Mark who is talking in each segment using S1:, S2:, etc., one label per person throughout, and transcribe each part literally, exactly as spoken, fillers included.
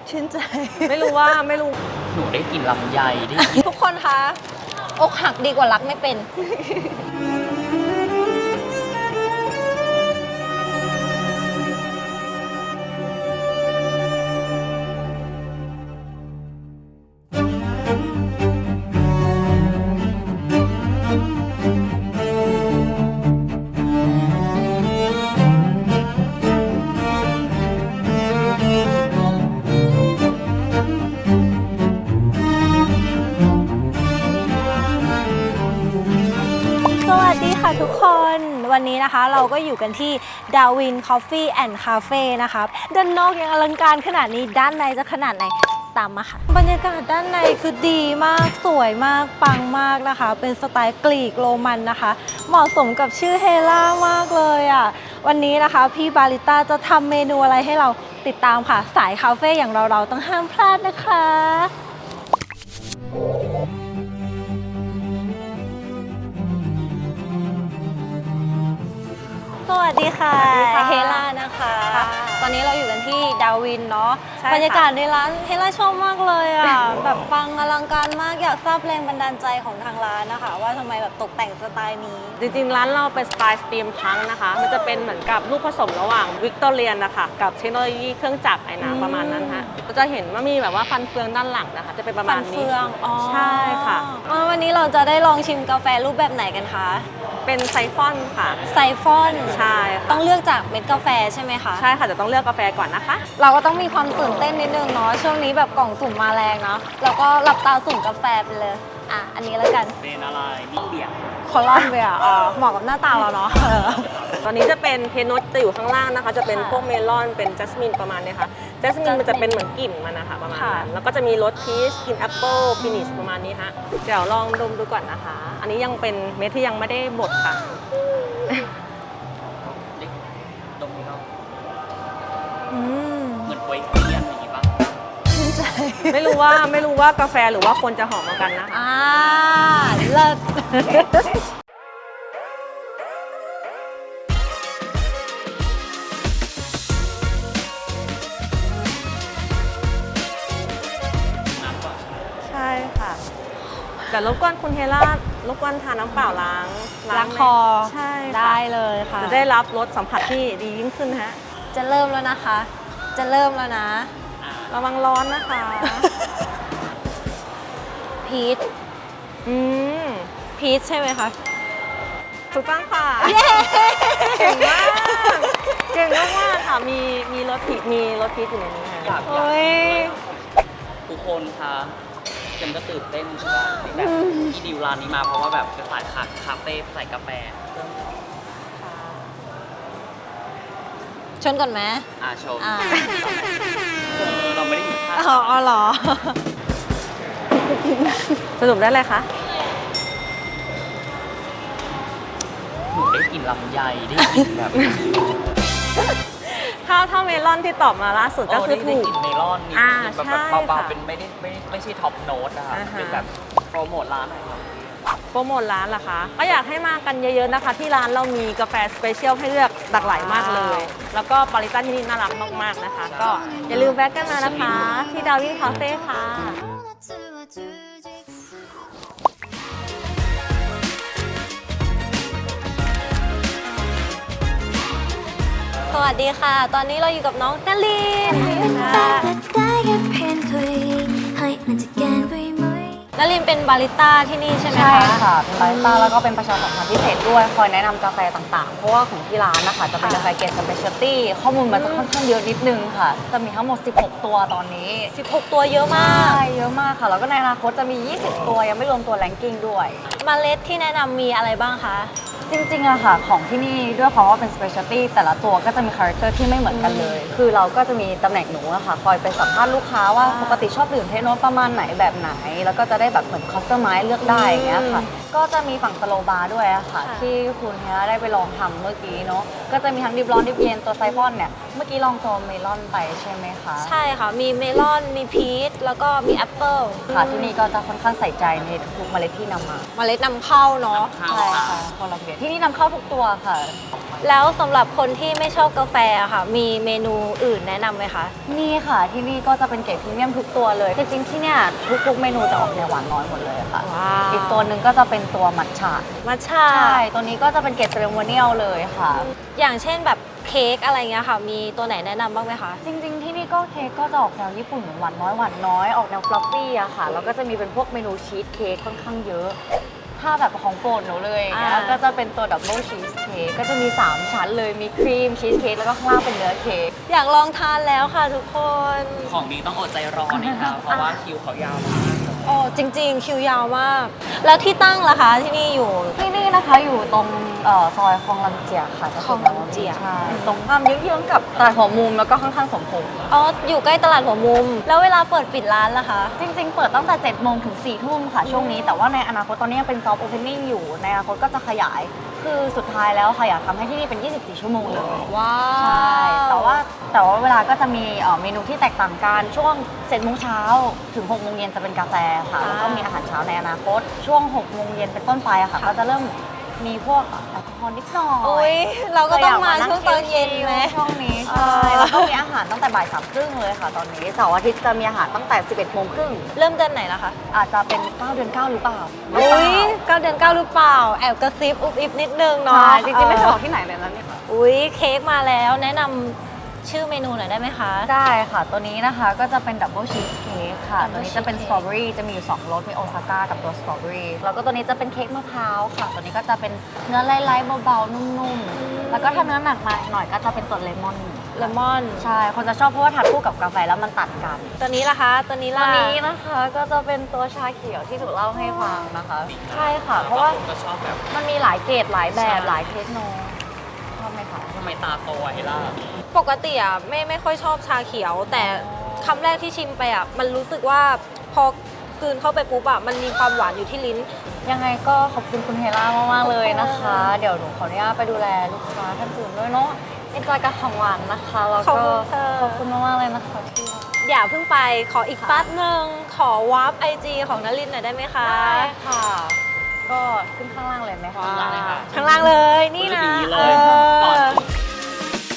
S1: ชื่นใจ
S2: ไม่รู้ว่าไม่รู้หนูได้กลิ่นลำไยได้กลิ่น
S1: ทุกคนคะอกหักดีกว่ารักไม่เป็น สวัสดีค่ะทุกคนวันนี้นะคะเราก็อยู่กันที่ Darwin Coffee and Cafe นะคะด้านนอกยังอลังการขนาดนี้ด้านในจะขนาดไหนตามมาค่ะบรรยากาศด้านในคือดีมากสวยมากปังมากนะคะเป็นสไตล์กรีกโรมันนะคะเหมาะสมกับชื่อเฮล่ามากเลยอ่ะวันนี้นะคะพี่บาริต้าจะทำเมนูอะไรให้เราติดตามค่ะสายคาเฟ่อย่างเราเราต้องห้ามพลาดนะคะสวัสดีค่ะเฮล่านะคะตอนนี้เราอยู่กันที่ดาวินเนาะบรรยากาศในร้านเฮล่าชอบมากเลยอ่ะ แบบปังอลังการมากอยากทราบแรงบันดาลใจของทางร้านนะคะว่าทำไมแบบตกแต่งสไตล์นี้
S2: จริงๆร้านเราเป็นสไตล์สตรีมพังนะคะมันจะเป็นเหมือนกับลูกผสมระหว่างวิกตอเรียนนะคะกับเทคโนโลยีเครื่องจักรไอ้น้ำประมาณนั้นฮะก็จะเห็นว่ามีแบบว่าฟันเฟืองด้านหลังนะคะจะเป็นประมาณนี้ฟันเฟืองอ๋อใช่ค่ะ
S1: วันนี้เราจะได้ลองชิมกาแฟรูปแบบไหนกันคะ
S2: เป็นไซฟอนค่ะ
S1: ไซฟอน
S2: ใช่
S1: ต้องเลือกจากเม็ดกาแฟใช่ไหมคะ
S2: ใช่ค่ะจะต้องเลือกกาแฟก่อนนะคะ
S1: เราก็ต้องมีความตื่นเต้นนิดนึงเนาะช่วงนี้แบบกล่องสุ่มมาแรงเนาะแล้วก็หลับตาสุ่มกาแฟไปเลยอ่ะอันนี้แล้วกัน
S2: เป็นอะไรนี่เบียร์
S1: คอลอนเบียร์อ๋อเหมาะกับหน้าตาเราเนาะ
S2: ตอนนี้จะเป็นเพนโนตจะอยู่ข้างล่างนะคะจะเป็นพวกเมลอนเป็นจัสมินประมาณนี้ค่ะจัสมินมันจะเป็นเหมือนกลิ่นมันนะคะประมาณนั้นแล้วก็จะมีรสพีชกลิ่นแอปเปิลฟินิชประมาณนี้ฮะเดี๋ยวลองดมดูก่อนนะคะอันนี้ยังเป็นเม็ดที่ยังไม่ได้บดค่ะดมดูเนาะเหมือนไวเฟียนอย่างนี้ป่ะ
S1: ชื่นใจ
S2: ไม่รู้ว่าไม่รู้ว่ากาแฟหรือว่าคนจะหอมเหมือนกันนะคะ
S1: อ่าเลิศ
S2: ใช่ค่ะแต่รบกวนคุณเฮล่ารบกวนทานน้ำเปล่าล้าง
S1: ล้างคอ
S2: ใช่
S1: ได้เลยค่ะ
S2: จะได้รับรสสัมผัสที่ดียิ่งขึ้นฮะ
S1: จะเริ่มแล้วนะคะจะเริ่มแล้วนะ
S2: ระวังร้อนนะคะ
S1: พีช
S2: อืม
S1: พีชใช่ไหมคะ
S2: ถูกต้องค่ะเก่งมากเก่งมากค่ะมีมีรสพีชมีรสพีชอยู่ในนี้ค่ะ
S1: โอ้ย
S3: ทุกคนคะเจมก็ตื่นเต้นใช่ไหมที่แบบที่ดิวร้านนี้มาเพราะว่าแบบเป็นสายคาเฟ่ใส่กาแฟ
S1: ชนก่อนไหม
S3: อ่าชมเออเราไม่ได้อยู่ท่า
S1: อ๋อเหรอ
S2: สรุปได้เลยคะ
S3: หนูได้กลิ่นลำไยได้กลิ่นแบบ
S2: ถ้าถ้าเมลอนที่ตอบมาล่าสุดก็คือถูก
S3: กลิ่นเมลอนนี่แบบเบาๆเป็นไม่ได้ไม่ไม่ใช่ท็อปโน้ตนะคะเป็นแบบโปรโมทร้านหน่อยครับ
S2: โปรโมทร้านเหรอคะก็อยากให้มากันเยอะๆนะคะที่ร้านเรามีกาแฟสเปเชียลให้เลือกหลากหลายมากเลยแล้วก็บาริสต้าที่นี่น่ารักมากๆนะคะก็อย่าลืมแวะกันมานะคะที่ดาวินคาเฟ่ค่ะ
S1: สวัสดีค่ะตอนนี้เราอยู่กับน้องนาลินนาลินเป็นบาริสต้าที่นี่ใช่ไหมคะ
S4: ใช่ค่ะเป็นบาริสต้าแล้วก็เป็นประชาสัมพันธ์พิเศษด้วยคอยแนะนำกาแฟต่างๆเพราะว่าของที่ร้านนะคะจะเป็นกาแฟเกรดสเปเชียลตี้ข้อมูลมันจะค่อนข้างเยอะนิดนึงค่ะจะมีทั้งหมดสิบหกตัวตอนนี้
S1: สิบหกตัวเยอะมาก
S4: ใช่เยอะมากค่ะแล้วก็ในอนาคตจะมียี่สิบตัวยังไม่รวมตัวแรงกิ้งด้วย
S1: เมล็ดที่แนะนำมีอะไรบ้างคะ
S4: จริงๆอะค่ะของที่นี่ด้วยความว่าเป็น specialty แต่ละตัวก็จะมีคาแรคเตอร์ที่ไม่เหมือนกันเลยคือเราก็จะมีตำแหน่งหนูอะค่ะคอยไปสัมภาษณ์ลูกค้าว่าปกติชอบดื่มเทคโนประมาณไหนแบบไหนแล้วก็จะได้แบบเหมือนคัสตอมไมซ์เลือกได้อย่างเงี้ยค่ะก็จะมีฝั่งสโลบาร์ด้วยอะค่ะที่คุณเฮล่าได้ไปลองทำเมื่อกี้เนาะก็จะมีทั้งดิบร้อนดิบเย็นตัวไซฟอนเนี่ยเมื่อกี้ลองตัวเมลอนไปใช่ไหมคะ
S1: ใช่ค่ะมีเมลอนมีพีชแล้วก็มีแอปเปิล
S4: ค่ะที่นี่ก็จะค่อนข้างใส่ใจในทุกเมล็ดที่นำมา
S1: เมล็ดนำเข้าเนาะ
S4: ใช่ค่ะคนละเบียที่นี่นำเข้าทุกตัวค่ะ
S1: แล้วสำหรับคนที่ไม่ชอบกาแฟอะค่ะ มีเมนูอื่นแนะนำไหมคะ
S4: นี่ค่ะที่นี่ก็จะเป็นเกรดพรีเมียมทุกตัวเลยจริงๆที่เนี่ยทุกๆเมนูจะออกแนวหวานน้อยหมดเลยค่ะ
S1: ว้าว
S4: อีกตัวหนึ่งก็จะเป็นตัวมัทฉะ
S1: มัทฉะ
S4: ใช่ตัวนี้ก็จะเป็นเกรดเซเรโมเนียลเลยค่ะ
S1: อย่างเช่นแบบเค้กอะไรเงี้ยค่ะ มีตัวไหนแนะนำบ้างไหมคะ
S4: จริงๆที่นี่ก็เค้กก็จะออกแนวญี่ปุ่นเหมือนหวานน้อยหวานน้อยออกแนวฟลัฟฟี่อะค่ะแล้วก็จะมีเป็นพวกเมนูชีสเค้กค่อนข้างเยอะ ถ้าแบบของโปรดหนูเลยอย่างเงี้ย
S1: อ่า
S4: ก็จะเป็นตัวดับเบิลชีสเค้กก็จะมีสามชั้นเลยมีครีมชีสเค้กแล้วก็ข้างล่างเป็นเนื้อเค้ก
S1: อยากลองทานแล้วค่ะทุกคน
S3: ของดีต้องอดใจรอนะครับเพราะว่าคิวเขายาวมาก
S1: โอ้จริงๆ คิวยาวมาก แล้วที่ตั้งล่ะคะที่นี่อยู่
S4: ที่นี่นะคะอยู่ตรงเอ่อซอยคลองลำเจียกค่ะ
S1: คลองลำเจียก
S4: ใช่ตรงข้ามเยื้องๆกับตลาดหัวมุมแล้วก็ข้างๆสมพงษ์
S1: อ๋อ อยู่ใกล้ตลาดหัวมุม แล้วเวลาเปิดปิดร้านล่ะคะ
S4: จริงๆ เปิดตั้งแต่เจ็ดโมงถึงสี่ทุ่มค่ะช่วงนี้แต่ว่าในอนาคตตอนนี้ยังเป็นซอฟต์โอเพนนิ่งอยู่ในอนาคตก็จะขยาย คือสุดท้ายแล้วค่ะอยากทำให้ที่นี่เป็น ยี่สิบสี่ ชั่วโมงเลย
S1: ว้า
S4: ใช่แต่ว่าแต่ว่าเวลาก็จะมีเอ่อเมนูที่แตกต่างกันช่วงเจ็ดโมงเช้าถึงหกโมงเย็นจะเป็นกาแฟค่ะแล้วก็มีอาหารเช้าในอนาคตช่วงหกโมงเย็นเป็นต้นไปอะค่ะก็จะเริ่มมีพวกแอลกอฮอล์นิดหน่อย
S1: โอ้ยเราก็ต้องมาช่วงตอนเย็นไหม
S4: ช่วงนี้
S1: เอ
S4: ใช่
S1: อ
S4: แล้วก็มีอาหารตั้งแต่บ่ายสามครึ่งเลยค่ะตอนนี้เสาร์อาทิตย์จะมีอาหารตั้งแต่สิบเอ็ดโมงครึ่ง
S1: เริ่มเดือนไหนล่ะคะ
S4: อาจจะเป็นเก้าเดือนเก้าหรือเปล่า
S1: อุ้ยเก้าเดือนเก้าหรือเปล่า แอบกระซิบอุบอิบนิดนึงเนาะ
S4: ใช่จริงๆไม่เคยบอกที่ไหนเลยนะเนี่ย
S1: อุ้ยเค้กมาแล้วแนะนำชื่อเมนูหน่อยได้ไหมคะ
S4: ได้ค่ะ ตัวนี้นะคะก็จะเป็นดับเบิลชีสเค้กค่ะ
S1: Double
S4: ตัวนี้จะเป็น
S1: cheesecake
S4: สตรอเบอรี่จะมีอยู่สองรสมีโอซาก้ากับตัวสตรอเบอรี่แล้วก็ตัวนี้จะเป็นเค้กมะพร้าวค่ะ ตัวนี้ก็จะเป็นเนื้อไล่ๆเบาๆนุ่มๆแล้วก็ถ้าเนื้อหนักมาหน่อยก็จะเป็นตัวเลมอน
S1: เลมอน
S4: ใช่คนจะชอบเพราะว่าทานคู่กับกาแฟแล้วมันตัดกัน
S1: ตัวนี้ล่ะคะ ตัวนี้
S4: ตั
S1: ล่ะ
S4: วนี้นะคะก็จะเป็นตัวชาเขียวที่ถูกเล่าให้ฟังนะคะ ใช่ค่ะ เพราะว่า
S3: ก็ชอบแบบ
S4: มันมีหลายเกรดหลายแบบ
S3: ใช่
S4: หลายเทคโนชอบไหมคะ
S3: ทำไมตาโตอะเฮล่า
S1: ปกติอ่ะไม่ไม่ค่อยชอบชาเขียว แต่คำแรกที่ชิมไปอ่ะมันรู้สึกว่าพอกลืนเข้าไปปุ๊บอ่ะมันมีความหวานอยู่ที่ลิ้น
S4: ยังไงก็ขอบคุณคุณเฮล่ามากๆเลยนะคะ เดี๋ยวหนูขออนุญาตไปดูแลลูกค้าท่านอื่นด้วยเนาะเอ็นจอยกับของหวานนะคะแล้ว
S1: ขอบ
S4: ก็
S1: คุณค่ะ
S4: ขอบคุณมากๆเลยนะคะที่
S1: อย่าเพิ่งไปขออีกแป๊บหนึ่งขอวาร์ปไอจีของนลินหน่อยได้ไหมคะ
S4: ได้ค่ะ ก็ขึ้นข้างล่างเลยไหมคะ
S3: ข้างล่างเลยค่ะ
S1: ข้างล่างเลยนี่นะ
S3: ดีเล
S1: เอย
S3: ก่อน
S1: อ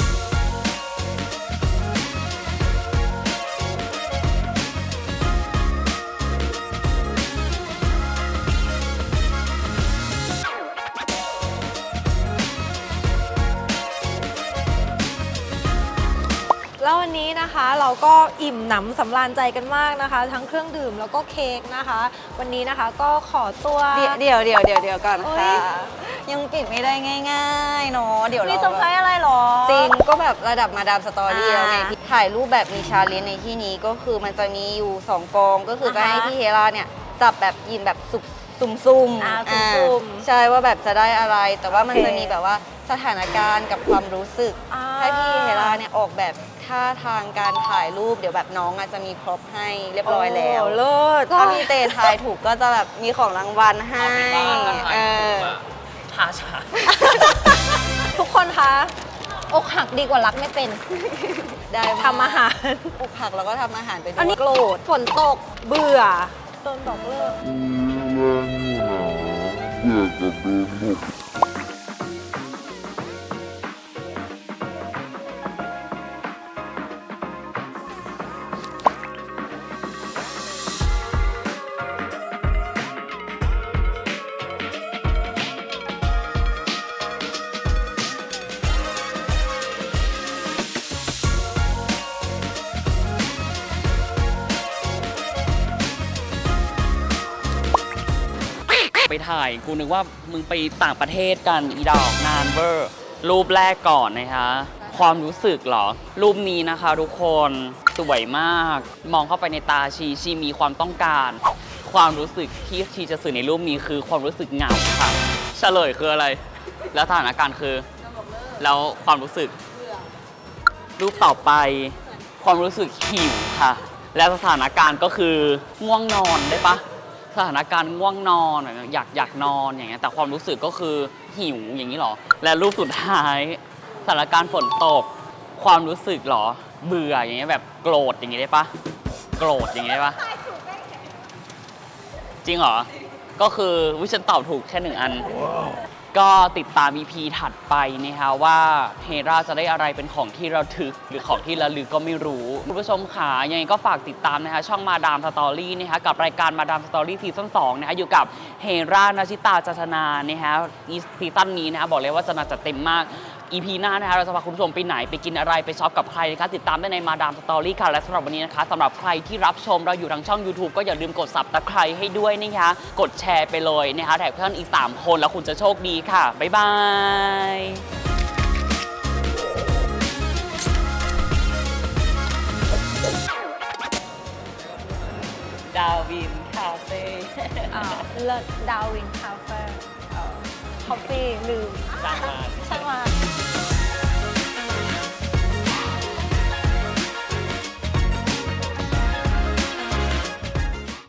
S1: แล้ววันนี้นะคะเราก็อิ่มหนำสำราญใจกันมากนะคะ ทั้งเครื่องดื่มแล้วก็เค้กนะคะ วันนี้นะคะก็ขอตัว
S5: เดี๋ยวเดี๋ยวเดี๋ยวเดี๋ยวเดี๋ยวก่อน
S1: โอ๊ย
S5: ค่ะ ยังปิดไม่ได้ง่ายๆเนาะเดี๋ยว
S1: มี
S5: เรา
S1: เซอร์ไพรส์อะไรหรอ
S5: จริงก็แบบระดับมาดามสตอรี่
S1: อ่า
S5: แล้วไงที่ถ่ายรูปแบบมีชาเลนจ์ในที่นี้ก็คือมันจะมีอยู่สองกองก็คือจะ
S1: อ่าฮะ
S5: ให้พี่เฮราเนี่ยจับแบบยินแบบสุกซุ่มๆ
S1: อ่า
S5: อ่า
S1: ซุ่มๆ
S5: ใช่ว่าแบบจะได้อะไร แต่ว่ามัน
S1: โอเค
S5: จะมีแบบว่าสถานการณ์กับความรู้สึก
S1: อ่า
S5: ให้พี่เฮราเนี่ยออกแบบท่าทางการถ่ายรูปเดี๋ยวแบบน้องอาจจะมีพร็อพให้เรียบร้อยแล้ว
S1: โเลิศ
S5: ถ้าพี่เตทายถูกก็จะแบบมีของรางวัลให้
S3: เอาเป็นว่าถ้าถ่าย
S5: เอ
S3: ถู
S5: อก
S3: อะทาชา
S1: ทุกคนคะอกหักดีกว่ารักไม่เป็น
S5: ได้มก
S1: ทำอาหาร
S5: ปลูกผักแล้วก็ทำอาหารไปด้
S1: อัน
S5: ว
S1: นี้
S5: ย
S1: โกรธฝนตกเบื่อโดนบอกเลิก
S3: ไปถ่ายกูนึกว่ามึงไปต่างประเทศกันอีดอกนานเวอร์รูปแรกก่อนนะคะ ความรู้สึกเหรอ รูปนี้นะคะทุกคนสวยมาก มองเข้าไปในตาชีชีมีความต้องการ ความรู้สึกที่ชีจะสื่อในรูปนี้คือความรู้สึกเหงาค่ะเฉลยคืออะไร แล้วสถานการณ์คือ แล้วความรู้สึก รูปต่อไป ความรู้สึกหิวค่ะ และสถานการณ์ก็คือง่วงนอนได้ปะสถานการณ์ง่วงนอนอยากอยากนอนอย่างเงี้ยแต่ความรู้สึกก็คือหิวอย่างนี้หรอ และรูปสุดท้ายสถานการณ์ฝนตก ความรู้สึกหรอ เบื่ออย่างเงี้ยแบบโกรธอย่างงี้ได้ปะโกรธอย่างงี้ได้ปะจริงเหรอก็คือวิฉันตอบถูกแค่หนึ่งอันก็ติดตาม อี พี ถัดไปนะคะว่าเฮราจะได้อะไรเป็นของที่ระทึกหรือของที่ระลึกก็ไม่รู้คุณผู้ชมขายังไงก็ฝากติดตามนะคะช่องมาดามสตอรี่นะคะกับรายการมาดามสตอรี่ซีซั่นสองนะคะอยู่กับเฮรานาชิตาจัชนานะคะซีซั่นนี้นะคะบอกเลยว่าจะน่าจะเต็มมาก อี พี หน้านะคะเราจะพาคุณผู้ชมไปไหนไปกินอะไรไปช็อปกับใครนะคะติดตามได้ในมาดามสตอรี่ค่ะและสำหรับวันนี้นะคะสำหรับใครที่รับชมเราอยู่ทางช่อง YouTube ก็อย่าลืมกด ซับสไครบ์ ให้ด้วยนะคะกดแชร์ไปเลยนะคะแท็กเพื่อนอีกสามคนแล้วคุณจะโชคดีค่ะบ๊ายบายดาวินคาเฟ่
S1: อ่าเลิศดาวินคาเฟ่คอฟฟี่ลืม
S3: จ้างมา
S1: ช่างมา